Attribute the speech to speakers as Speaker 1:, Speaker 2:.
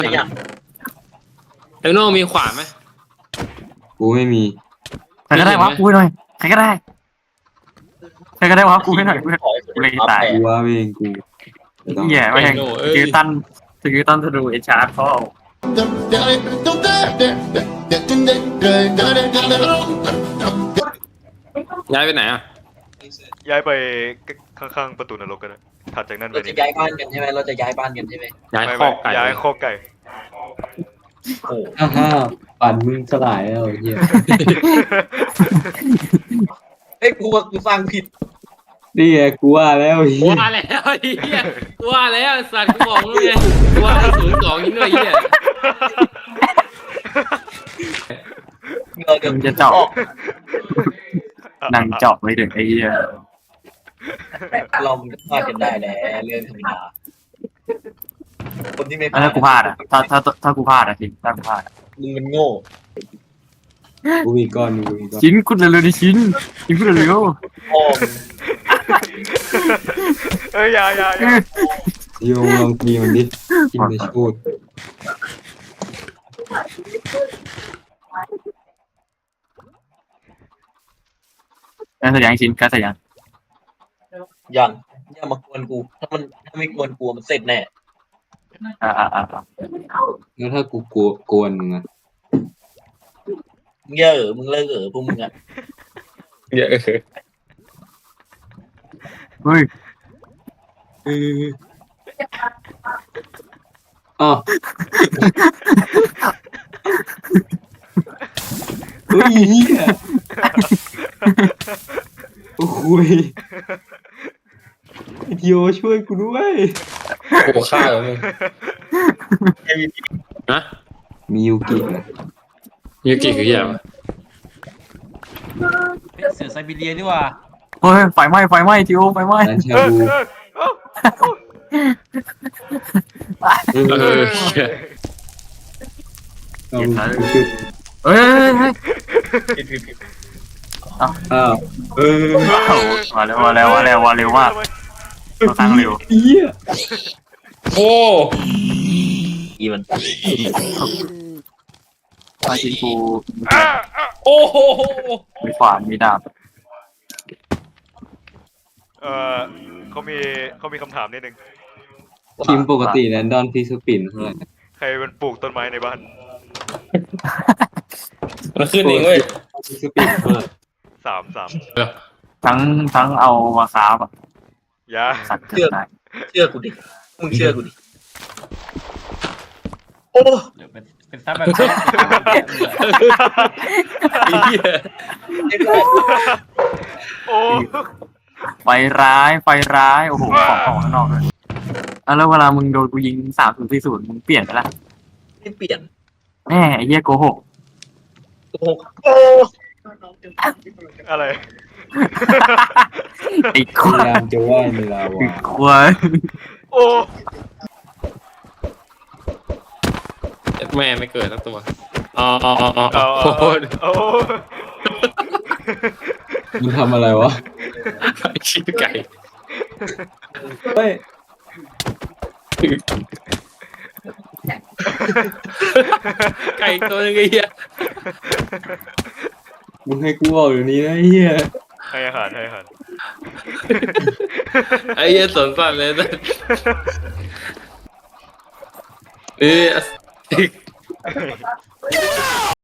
Speaker 1: อย่าง
Speaker 2: เอลโน่มีขวานไหม
Speaker 3: กูไม่มี
Speaker 4: ใครก็ได้วะกูให้หน่อยใครก็ได้ใครก็ได้วะกูให้หน่อยกูเลยตาย
Speaker 3: กูว่าเองกูไม่ต้อง
Speaker 4: เหี้ยไม่แหงสกิลตันธนูเอชาร์ดเขาเอา
Speaker 2: ย้ายไปไหนอ่ะ
Speaker 5: ย้ายไปข้างๆประตูนรกกันนะถัดจากนั้นไป
Speaker 1: เราจะย้ายบ้านกันใช่ไหมเราจะย้ายบ้านกันใช่ไหม
Speaker 2: ย้าย
Speaker 5: ไม่
Speaker 2: คอกไก่
Speaker 5: ย้ายคอกไก่
Speaker 1: โอ้
Speaker 3: ฮ่าปั่นมึงสลายแล้วเฮีย
Speaker 1: เฮ้ยกูฟังผิด
Speaker 3: นี่ไงกูว่าแล้วเฮีย
Speaker 2: ว่าแล้วไอ้เหี้ยว่าแล้วสัตว์กูบอกมึงไงว่า02นี่ด้วยเหี้ย
Speaker 1: เราเดี๋ยว
Speaker 4: มึงจะเจาะนั่งเจาะไม่ถึงไอ้เหี้ย
Speaker 1: เราพลาดกันได้แหละเรื่องธรรมดาคนที่ไม่
Speaker 4: ถ้ากูพลาดอ่ะถ้ากูพลาดอ่ะจริงถ้ากูพลาด
Speaker 1: มึงมันโง่
Speaker 3: กูมีก้อนกูมีก้อน
Speaker 4: ชิ้นคุณเร็วๆดิชิ้นคุณเร็ว
Speaker 1: โอ้
Speaker 5: เอ้ยอย่า
Speaker 3: โยงลองตีมันดิกินไปชูด
Speaker 4: การแสดงชิ้นการแสดง
Speaker 1: ยังอย่ามากวนกูถ้าไม่กวนกูมันเสร็จแน่
Speaker 4: อ่า
Speaker 3: แล้วถ้ากูกวนมึงอะ
Speaker 1: มึงเยอะมึงเลิกพวกมึงอ่ะ
Speaker 2: เยอะ
Speaker 4: เฮ้ย
Speaker 3: อ๋อเฮ้ยเฮียโอ้ยไอ้ทีโอช่วยกูด้วย
Speaker 2: โอ้ฆ่าแล้วมึงนะ
Speaker 3: มียูกินะ
Speaker 2: ยูกิคือเหี้ย
Speaker 6: เสือไซบีเรียดีกว่า
Speaker 4: เฮ้ยไฟไหม้ทีโอไฟไหม้
Speaker 3: ร้านชาบู
Speaker 2: เหี้ย
Speaker 3: เอาจุด
Speaker 4: เฮ้ย
Speaker 1: ผิด
Speaker 3: อ้าว
Speaker 4: มาเร็วมากเราตั้งเร็ว
Speaker 3: เฮีย
Speaker 2: โอ้
Speaker 1: อีมัน
Speaker 4: มาชิ้นกู
Speaker 2: โอ้โห
Speaker 4: มีขวานมีดาบ
Speaker 5: เออเขามีคำถามนิดนึง
Speaker 3: ทีมปกติแรนดอนที่สปินเท่าไหร่
Speaker 5: ใครเป็นปลูกต้นไม้ในบ้าน
Speaker 2: มันขึ้นเองเว้ย
Speaker 3: ที่สปินเท่าไหร่
Speaker 5: สาม
Speaker 4: ทั้งเอามาค้าแบบ
Speaker 5: อย่า
Speaker 4: สัตว์เกิดได้
Speaker 1: เชื่อกูดิมึงเชื่อกูดิโอ้
Speaker 6: หรือเป็นซับแบบนี้
Speaker 2: ไอ้เหี้ย
Speaker 1: เรียบร้อย
Speaker 5: โอ้
Speaker 4: ไฟร้ายโอ้โหของข้างนอกเลยแล้วเวลามึงโดนกูยิง3040มึงเปลี่ยนไปละ
Speaker 1: ไม่เปลี่ยน
Speaker 4: แม่ไอ้เหี้ยโกหก
Speaker 1: โอ้โอ้
Speaker 5: อะไร
Speaker 4: ไอ้
Speaker 3: พ
Speaker 4: ควาย
Speaker 3: ายามจะว่ายในลาวา
Speaker 4: ควาย
Speaker 5: โอ้
Speaker 2: แม่ไม่เกิดทั้งตัวอ๋อโคตร
Speaker 5: โอ้
Speaker 3: มึงทำอะไรวะ
Speaker 2: ชิ้นไก่
Speaker 3: เฮ้ย
Speaker 2: ไก่ตัวนึงไอ้เหี้ย
Speaker 3: มึงให้กูออกเดี๋ยวนี้นะเฮีย
Speaker 5: ให้อาหาร
Speaker 2: ไอ้เหี้ยสนสัตว์เลยนะเออ